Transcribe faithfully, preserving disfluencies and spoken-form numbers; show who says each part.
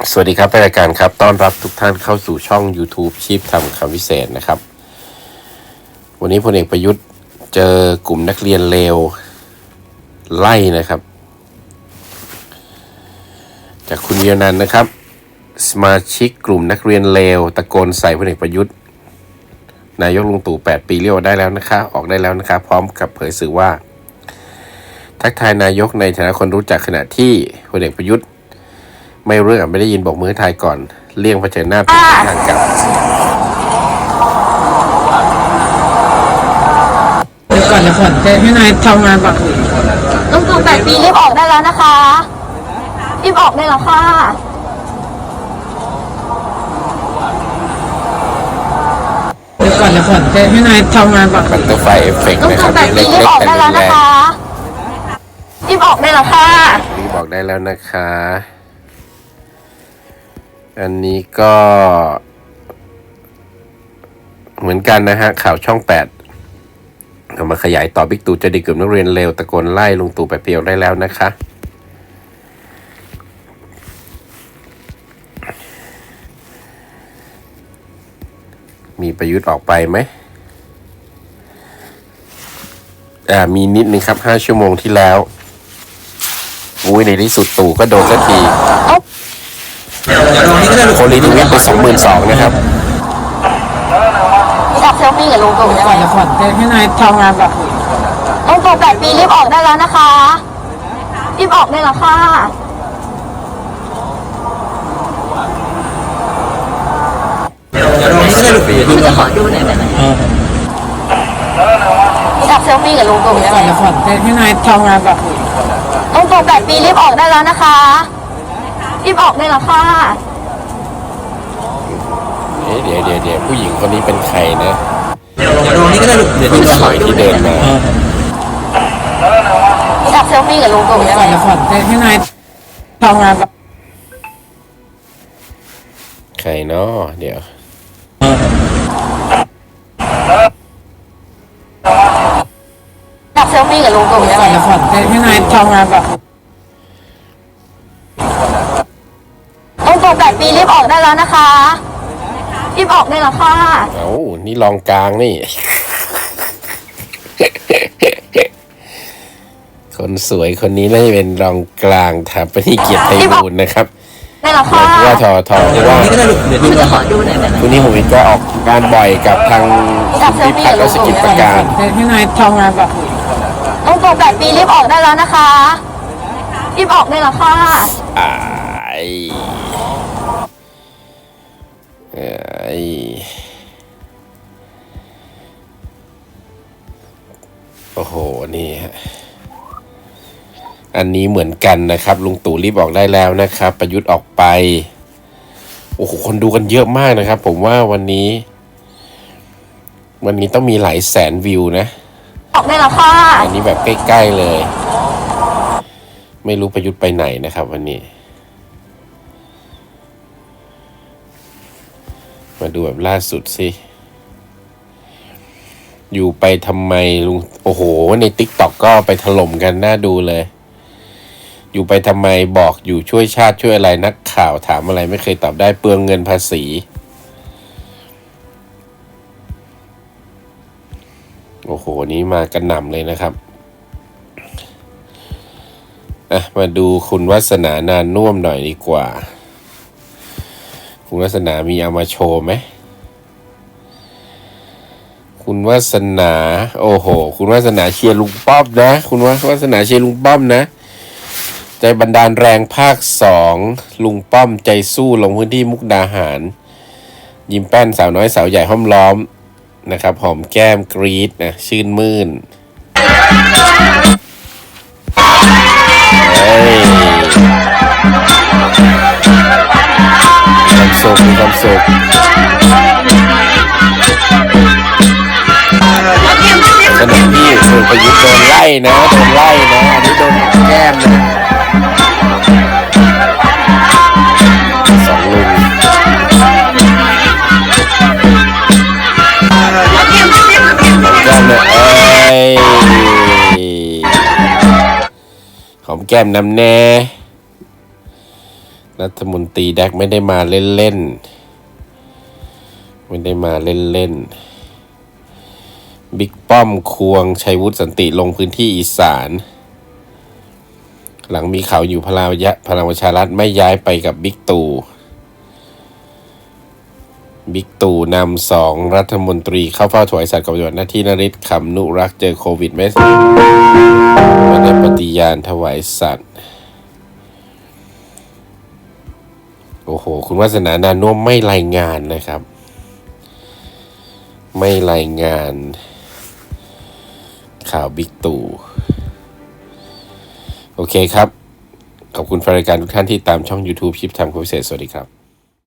Speaker 1: สวัสดีครับรายการครับต้อนรับทุกท่านเข้าสู่ช่อง YouTube ชีพทำคำวิเศษนะครับวันนี้พลเอกประยุทธ์เจอกลุ่มนักเรียนเลวไล่นะครับจากคุณเวียนันท์นะครับสมาชิกกลุ่มนักเรียนเลวตะโกนใส่พลเอกประยุทธ์นายกลุงตู่แปดปีเรียกได้แล้วนะคะออกได้แล้วนะคะพร้อมกับเผยสื่อว่าทักทายนายกในฐานะคนรู้จักขณะที่พลเอกประยุทธ์ไม่เรื่องไม่ได้ยินบอกมือทายก่อนเลี่ยงเผชิญหน้าเป็นทางกลับ
Speaker 2: เดี๋ยวก่อนเดี๋ยวก่อนให้นายทำงานก่อน
Speaker 3: ลุงตู่แปดปีรีบออกได้แล้วนะคะรีบออกได้แล้วค่ะ
Speaker 2: เดี๋ยวก่อนเดี๋ยวก่อนให้นายทำงานก่อน
Speaker 1: บัตเตอร์ไฟเอฟเฟกต์
Speaker 3: ลุง
Speaker 1: นะครับ
Speaker 3: ตู่แปดปีรีบออกได้แล้วนะคะรีบออกได้แล้วค่ะ
Speaker 1: รีบออกได้แล้วนะคะอันนี้ก็ เหมือนกันนะฮะข่าวช่องแปดเอามาขยายต่อบิ๊กตู่จะดีกลุ่มนักเรียนเลวตะโกนไล่ลุงตู่แปดปีออกได้แล้วนะคะมีประยุทธ์ออกไปไหมอ่ามีนิดนึงครับห้าชั่วโมงที่แล้วอุ้ยในที่สุดตู่ก็โดนสักทีโคลีทวิตไปสองหมื่นสองนะครับ
Speaker 3: มีอัพเซลฟี่กับลุงตู่ใช่ไหม
Speaker 2: เดี๋ยวก่อนให้นายทำงานก่อน
Speaker 3: ลุงตู่แปดปีรีบออกได้แล้วนะคะรีบออกได้แล้วค่ะคุณจะขอดูหน่อยได้ไหมมีอัพเซลฟี่กับลุงตู่ใช่ไหม
Speaker 2: เดี๋ยวก่อนให้นายทำงานก่อน
Speaker 3: ลุงตู่แปดปีรีบออกได้แล้วนะคะรีบออกได้แล้วค่ะ
Speaker 1: เดี๋ยวเดี๋ยวเดี๋ยวผู้หญิงคนนี้เป็นใครนะ
Speaker 2: เดี๋ยวตรงนี้ก็ได้ลูกเดี๋ยว
Speaker 1: สวยที่เดินมา
Speaker 3: มีอัพเซลฟี่กับลุงตู่ใช่ไหม
Speaker 2: เดี๋ยวก่อนให้นายทำงานก่อน
Speaker 1: ใครเนาะเดี๋ยว
Speaker 3: อัพเซลฟี่กับลุงตู่ใช่ไหม
Speaker 2: เดี๋ยวก่อนให้นายทำงานก่อน
Speaker 3: ลุงตู่แปดปีรีบออกได้แล้วนะคะรีบออกได้แล้วค่ะ
Speaker 1: เอ้านี่รองกลางนี่ คนสวยคนนี้น่าจะเป็นรองกลางถามไปที่เกียรติไทยบูลนะครับ
Speaker 3: ได้แล้วค่ะ
Speaker 1: ว่าทอทอที่ว่า
Speaker 3: คุณจะขอดูหน่อยได้ไหม
Speaker 1: คุณนี่ผมก็ออกงานบ่อยกับทางคุณพิพัฒน์และสกิจประการ
Speaker 2: ให้นายทำงานก่อน
Speaker 3: ลุงตู่แปดปีรีบออกได้แล้วนะคะรีบออกได้แล้วค่ะ
Speaker 1: อ่าไอ้โอ้โหนี่ฮะอันนี้เหมือนกันนะครับลุงตู่รีบออกได้แล้วนะครับประยุทธ์ออกไปโอ้โหคนดูกันเยอะมากนะครับผมว่าวันนี้วันนี้ต้องมีหลายแสนวิวนะ
Speaker 3: ออกได้แล้วค่ะ
Speaker 1: อันนี้แบบใกล้ๆเลยไม่รู้ประยุทธ์ไปไหนนะครับวันนี้มาดูแบบล่าสุดสิอยู่ไปทำไมลุงโอ้โหใน ติ๊กต็อก ก็ไปถล่มกันน่าดูเลยอยู่ไปทำไมบอกอยู่ช่วยชาติช่วยอะไรนักข่าวถามอะไรไม่เคยตอบได้เปลืองเงินภาษีโอ้โหนี้มากระหน่ำเลยนะครับอ่ะมาดูคุณวาสนานานุ่วมหน่อยดีกว่าคุณวาสนามีเอามาโชว์ไหมคุณวาสนาโอ้โหคุณวาสนาเชียร์ลุงป้อมนะคุณวาสนาเชียร์ลุงป้อมนะใจบันดาลแรงภาคสองลุงป้อมใจสู้ลงพื้นที่มุกดาหารยิ้มแป้นสาวน้อยสาวใหญ่ห้อมล้อมนะครับหอมแก้มกรี๊ดนะชื่นมื่นเฮ้ยความสุขมีความสุขขณะที่คุณประยุทธ์โดนไล่นะโดนไล่นะอันนี้โดนแก้มนะสองลุงแก้มเนี่ยเอ้ยหอมแก้มน้ำแน่รัฐมนตรีแดกไม่ได้มาเล่นๆไม่ได้มาเล่นๆบิ๊กป้อมควงชัยวุฒิสันติลงพื้นที่อีสานหลังมีข่าวอยู่พลังยะพลังประชารัฐไม่ย้ายไปกับบิ๊กตู่บิ๊กตู่นำสองรัฐมนตรีเข้าเฝ้าถวายสัตย์กับปฏิบัติหน้าที่นฤทธิ์ขำนุรักษ์เจอโควิดไม่ไม่ได้ปฏิญาณถวายสัตย์โอ้โหคุณวาสนานานุ่มไม่รายงานนะครับไม่รายงานข่าวบิ๊กตู่โอเคครับขอบคุณแฟนรายการทุกท่านที่ตามช่อง YouTube ชิปทำคพิเศษสวัสดีครับ